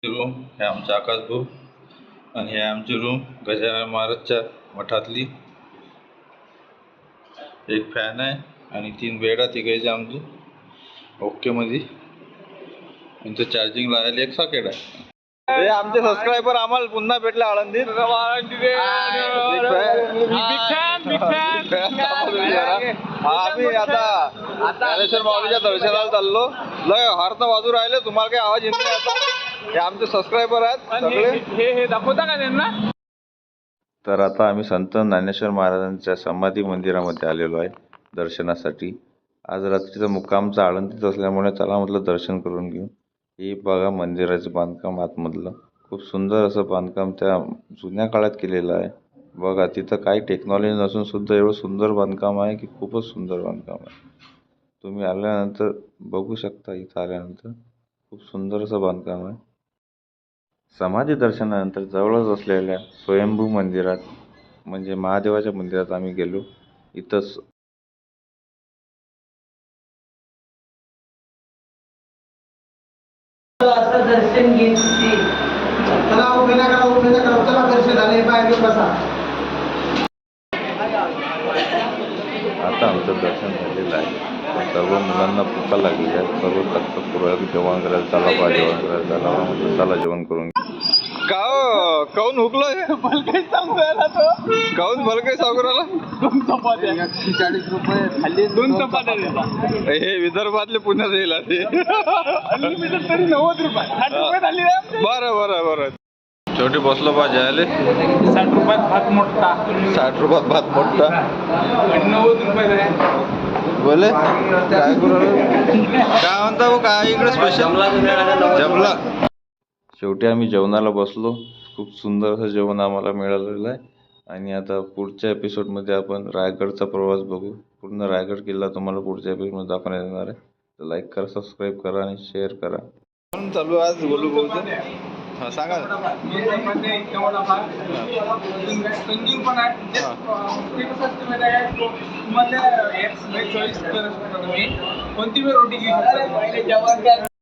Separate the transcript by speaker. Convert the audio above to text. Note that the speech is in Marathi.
Speaker 1: रूम हे आमचा आकाश भाऊ आणि हे आमची रूम गजानन महाराजच्या मठातली. एक फॅन आहे आणि 3 बेड आहे तिघायचे आमचे ओके मध्ये. इथं चार्जिंग लावायला एक सॉकेट आहे. हे आमचे सबस्क्रायबर आम्हाला पुन्हा भेटले आळंदीत. आम्ही आता ज्ञानेश्वर माऊलीच्या दर्शनाला चाललो. लय हॉर्न वाजू राहिले, तुम्हाला काही आवाज येत नाही आता. हे आमचे सबस्क्रायबर आहेत सगळे. हे दाखवता का त्यांना? तर आता आम्ही संत ज्ञानेश्वर महाराजांच्या समाधी मंदिरामध्ये आलेलो आहे दर्शनासाठी. आज रात्रीचा मुक्कामचा आळंदीत असल्यामुळे चला म्हटलं दर्शन करून घेऊ. हे बघा मंदिराचं बांधकाम आतमधलं खूप सुंदर असं बांधकाम त्या जुन्या काळात केलेलं आहे. बघा तिथं काही टेक्नॉलॉजी नसून सुद्धा एवढं सुंदर बांधकाम आहे की खूपच सुंदर बांधकाम आहे. तुम्ही आल्यानंतर बघू शकता. इथं आल्यानंतर खूप सुंदर असं बांधकाम आहे. समाधी दर्शनानंतर जवळच असलेल्या स्वयंभू मंदिरात म्हणजे महादेवाच्या मंदिरात आम्ही गेलो. इथंच
Speaker 2: दर्शन घ्यायचे. चला दर्शन आले पाहिजे बसा.
Speaker 1: आता आमचं दर्शन झालेलं आहे. सर्व मुलांना भूका लागली आहे. सर्व तत्पूर्वक जेवण करायला चला बा, जेवण करायला चला बा म्हणजे चला जेवण करून. काऊन हुकलो काऊन भलकाय सागराला
Speaker 2: 140 रुपये खाली 2 चपात्या.
Speaker 1: हे विदर्भातले पुण्यात येईल ते
Speaker 2: तरी 90 रुपये 60 रुपये झाली.
Speaker 1: बरं छोटी बसलो बा जायले.
Speaker 2: 60 रुपयात भात मोठा.
Speaker 1: 60 रुपयात भात मोठा
Speaker 2: आणि 90 रुपये
Speaker 1: बोले काय करू काय म्हणता हो. काय इकडे स्पेशल जमला. शेवटी आम्ही जेवणाला बसलो. खूप सुंदर असं जेवण आम्हाला मिळालेलं आहे. आणि आता पुढच्या एपिसोडमध्ये आपण रायगडचा प्रवास बघू. पूर्ण रायगड किल्ला तुम्हाला पुढच्या एपिसोडमध्ये दाखवण्यात येणार आहे. तर लाईक करा, सबस्क्राईब करा आणि शेअर करा. चालू आज बोलू हां सांगा.
Speaker 2: संजीव पण आहे. ते कसं असतं माहिती आहे का, तुम्हाला एक चॉईस करू शकता तुम्ही कोणती वेळ रोटी घेऊ शकता.